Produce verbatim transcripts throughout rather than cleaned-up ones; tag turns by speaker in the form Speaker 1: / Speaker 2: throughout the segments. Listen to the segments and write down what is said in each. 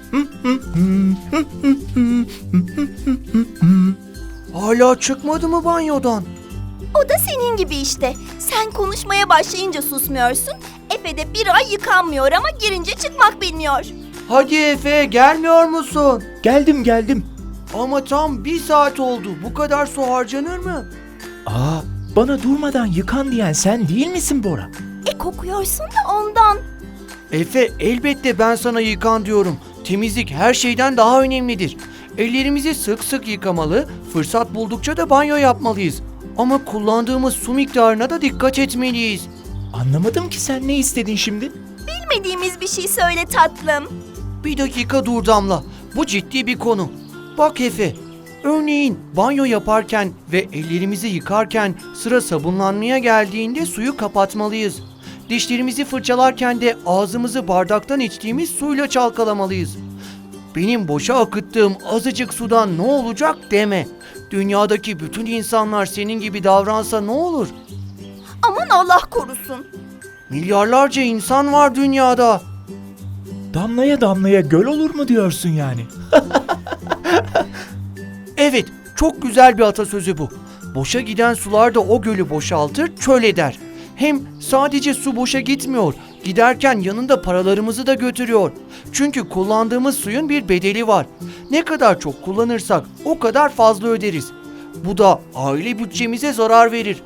Speaker 1: Hala çıkmadı mı banyodan?
Speaker 2: O da senin gibi işte. Sen konuşmaya başlayınca susmuyorsun. Efe de bir ay yıkanmıyor ama girince çıkmak bilmiyor.
Speaker 1: Hadi Efe, gelmiyor musun?
Speaker 3: Geldim geldim.
Speaker 1: Ama tam bir saat oldu. Bu kadar su harcanır mı?
Speaker 3: Aa, bana durmadan yıkan diyen sen değil misin Bora?
Speaker 2: E kokuyorsun da ondan.
Speaker 1: Efe, elbette ben sana yıkan diyorum. Temizlik her şeyden daha önemlidir. Ellerimizi sık sık yıkamalı, fırsat buldukça da banyo yapmalıyız. Ama kullandığımız su miktarına da dikkat etmeliyiz.
Speaker 3: Anlamadım ki sen ne istedin şimdi?
Speaker 2: Bilmediğimiz bir şey söyle tatlım.
Speaker 1: Bir dakika dur Damla. Bu ciddi bir konu. Bak Efe, örneğin banyo yaparken ve ellerimizi yıkarken sıra sabunlanmaya geldiğinde suyu kapatmalıyız. Dişlerimizi fırçalarken de ağzımızı bardaktan içtiğimiz suyla çalkalamalıyız. Benim boşa akıttığım azıcık sudan ne olacak deme. Dünyadaki bütün insanlar senin gibi davransa ne olur?
Speaker 2: Aman Allah korusun.
Speaker 1: Milyarlarca insan var dünyada.
Speaker 3: Damlaya damlaya göl olur mu diyorsun yani?
Speaker 1: Evet, çok güzel bir atasözü bu. Boşa giden sular da o gölü boşaltır, çöl eder. Hem sadece su boşa gitmiyor, giderken yanında paralarımızı da götürüyor. Çünkü kullandığımız suyun bir bedeli var. Ne kadar çok kullanırsak o kadar fazla öderiz. Bu da aile bütçemize zarar verir.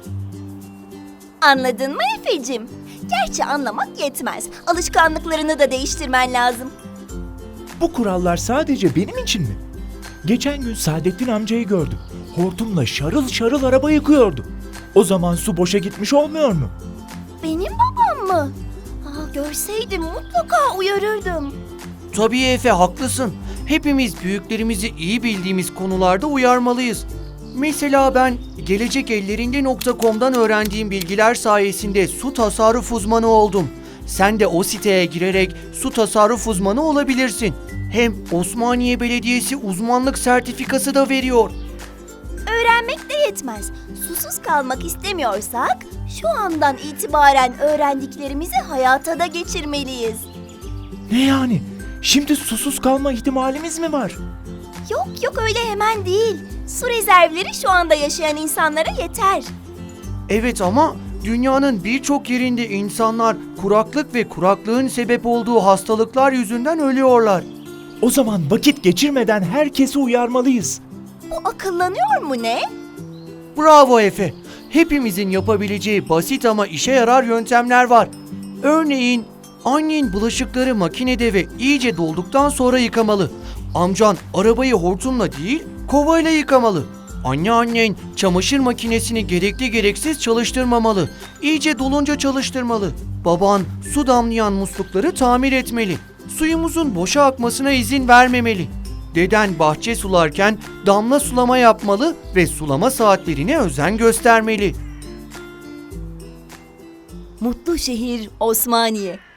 Speaker 2: Anladın mı Efe'cim? Gerçi anlamak yetmez. Alışkanlıklarını da değiştirmen lazım.
Speaker 3: Bu kurallar sadece benim için mi? Geçen gün Saadettin amcayı gördüm. Hortumla şarıl şarıl araba yıkıyordu. O zaman su boşa gitmiş olmuyor mu?
Speaker 2: Benim babam mı? Aa, görseydim mutlaka uyarırdım.
Speaker 1: Tabii Efe, haklısın. Hepimiz büyüklerimizi iyi bildiğimiz konularda uyarmalıyız. Mesela ben gelecek ellerinde nokta com'dan öğrendiğim bilgiler sayesinde su tasarruf uzmanı oldum. Sen de o siteye girerek su tasarruf uzmanı olabilirsin. Hem Osmaniye Belediyesi uzmanlık sertifikası da veriyor.
Speaker 2: Öğrenmek de yetmez. Susuz kalmak istemiyorsak şu andan itibaren öğrendiklerimizi hayata da geçirmeliyiz.
Speaker 3: Ne yani? Şimdi susuz kalma ihtimalimiz mi var?
Speaker 2: Yok yok öyle hemen değil. Su rezervleri şu anda yaşayan insanlara yeter.
Speaker 1: Evet ama dünyanın birçok yerinde insanlar kuraklık ve kuraklığın sebep olduğu hastalıklar yüzünden ölüyorlar.
Speaker 3: O zaman vakit geçirmeden herkesi uyarmalıyız.
Speaker 2: Bu akıllanıyor mu ne?
Speaker 1: Bravo Efe. Hepimizin yapabileceği basit ama işe yarar yöntemler var. Örneğin annen bulaşıkları makinede ve iyice dolduktan sonra yıkamalı. Amcan arabayı hortumla değil, kovayla yıkamalı. Anneannen çamaşır makinesini gerekli gereksiz çalıştırmamalı. İyice dolunca çalıştırmalı. Baban su damlayan muslukları tamir etmeli. Suyumuzun boşa akmasına izin vermemeli. Deden bahçe sularken damla sulama yapmalı ve sulama saatlerine özen göstermeli.
Speaker 2: Mutlu şehir Osmaniye.